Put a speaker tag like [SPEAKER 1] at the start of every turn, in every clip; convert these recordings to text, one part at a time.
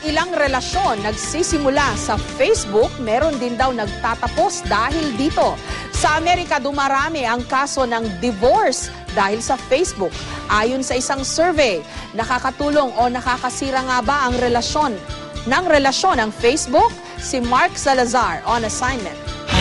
[SPEAKER 1] Ilang relasyon nagsisimula sa Facebook, meron din daw nagtatapos dahil dito. Sa Amerika, dumarami ang kaso ng divorce dahil sa Facebook. Ayon sa isang survey, nakakatulong o nakakasira nga ba ang relasyon ng Facebook? Si Mark Salazar on assignment.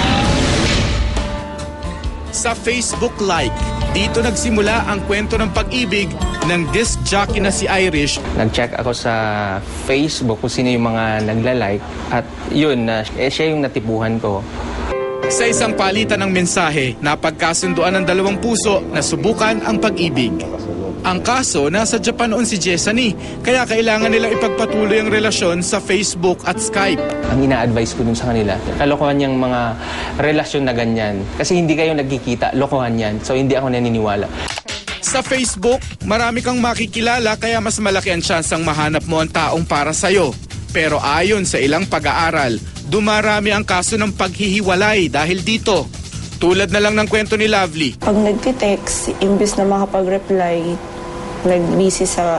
[SPEAKER 2] Sa Facebook Like, dito nagsimula ang kwento ng pag-ibig ng disc jockey na si Irish.
[SPEAKER 3] Nag-check ako sa Facebook kung sino yung mga nagla-like at yun, siya yung natipuhan ko.
[SPEAKER 2] Sa isang palitan ng mensahe, napagkasunduan ng dalawang puso na subukan ang pag-ibig. Ang kaso, nasa Japan noon si Jessany, kaya kailangan nilang ipagpatuloy ang relasyon sa Facebook at Skype.
[SPEAKER 3] Ang ina-advise ko dun sa kanila, kalokohan yung mga relasyon na ganyan. Kasi hindi kayo nagkikita, lokohan yan. So hindi ako naniniwala.
[SPEAKER 2] Sa Facebook, marami kang makikilala kaya mas malaki ang tsansang mahanap mo ang taong para sa'yo. Pero ayon sa ilang pag-aaral, dumarami ang kaso ng paghihiwalay dahil dito. Tulad na lang ng kwento ni Lovely.
[SPEAKER 4] Pag nagtitext, imbis na makapag-reply, nag-busy sa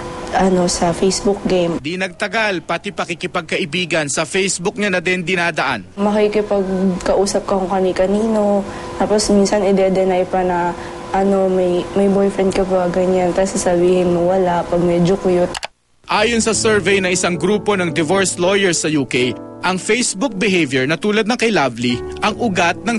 [SPEAKER 4] Facebook game.
[SPEAKER 2] Di nagtagal, pati pakikipagkaibigan sa Facebook niya na din dinadaan.
[SPEAKER 4] Makikipagkausap ka kung kani-kanino, tapos minsan ide-deny pa na may boyfriend ka ba, ganyan. Tapos sasabihin mo wala pag medyo cute.
[SPEAKER 2] Ayon sa survey na isang grupo ng divorce lawyers sa UK, ang Facebook behavior na tulad ng kay Lovely, ang ugat ng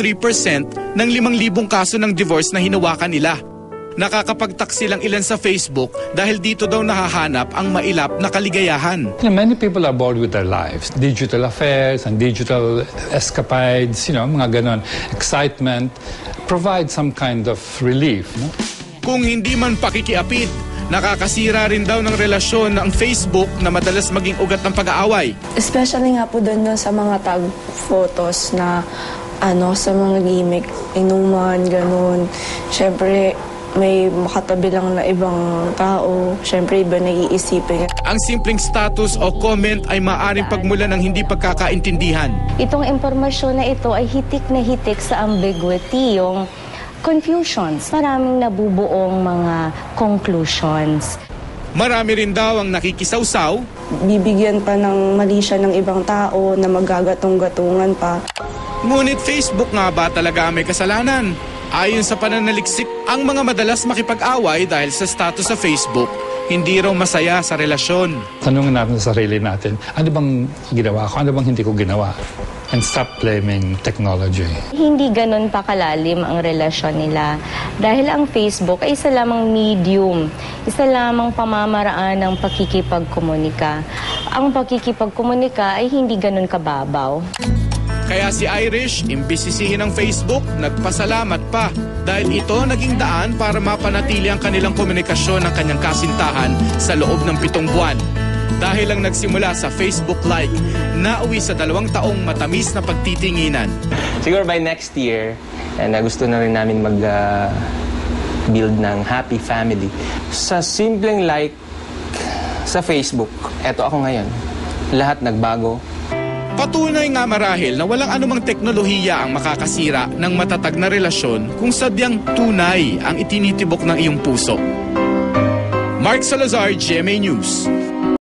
[SPEAKER 2] 33% ng 5,000 kaso ng divorce na hinawakan nila. Nakakapagtaksi lang ilan sa Facebook dahil dito daw nahahanap ang mailap na kaligayahan.
[SPEAKER 5] Many people are bored with their lives. Digital affairs and digital escapades, mga ganon. Excitement provide some kind of relief. No?
[SPEAKER 2] Kung hindi man pakikiapid, nakakasira rin daw ng relasyon ng Facebook na madalas maging ugat ng pag-aaway.
[SPEAKER 4] Especially nga po doon sa mga tag photos na sa mga gimmick, inuman, ganon. Siyempre, may makatabi lang na ibang tao. Siyempre, iba nag-iisipin.
[SPEAKER 2] Ang simpleng status o comment ay maaaring pagmula ng hindi pagkakaintindihan.
[SPEAKER 6] Itong impormasyon na ito ay hitik na hitik sa ambiguity, yung confusions. Maraming nabubuong mga conclusions.
[SPEAKER 2] Marami rin daw ang nakikisawsaw.
[SPEAKER 4] Bibigyan pa ng mali siya ng ibang tao na magagatong-gatungan pa.
[SPEAKER 2] Ngunit Facebook nga ba talaga may kasalanan? Ayon sa pananaliksik, ang mga madalas makipag-away dahil sa status sa Facebook, hindi raw masaya sa relasyon.
[SPEAKER 5] Tanungin natin sa sarili natin, ano bang ginawa ko? Ano bang hindi ko ginawa? And stop blaming technology.
[SPEAKER 6] Hindi ganun pa kalalim ang relasyon nila. Dahil ang Facebook ay isa lamang medium, isa lamang pamamaraan ng pakikipagkomunika. Ang pakikipagkomunika ay hindi ganun kababaw.
[SPEAKER 2] Kaya si Irish, imbis sisihin ng Facebook, nagpasalamat pa dahil ito naging daan para mapanatili ang kanilang komunikasyon ng kanyang kasintahan sa loob ng 7 buwan. Dahil lang nagsimula sa Facebook Like, nauwi sa 2 taong matamis na pagtitinginan.
[SPEAKER 3] Siguro by next year, gusto na rin namin mag-build ng happy family. Sa simpleng like sa Facebook, eto ako ngayon. Lahat nagbago.
[SPEAKER 2] Patunay nga marahil na walang anumang teknolohiya ang makakasira ng matatag na relasyon kung sadyang tunay ang itinitibok ng iyong puso. Mark Salazar, GMA News.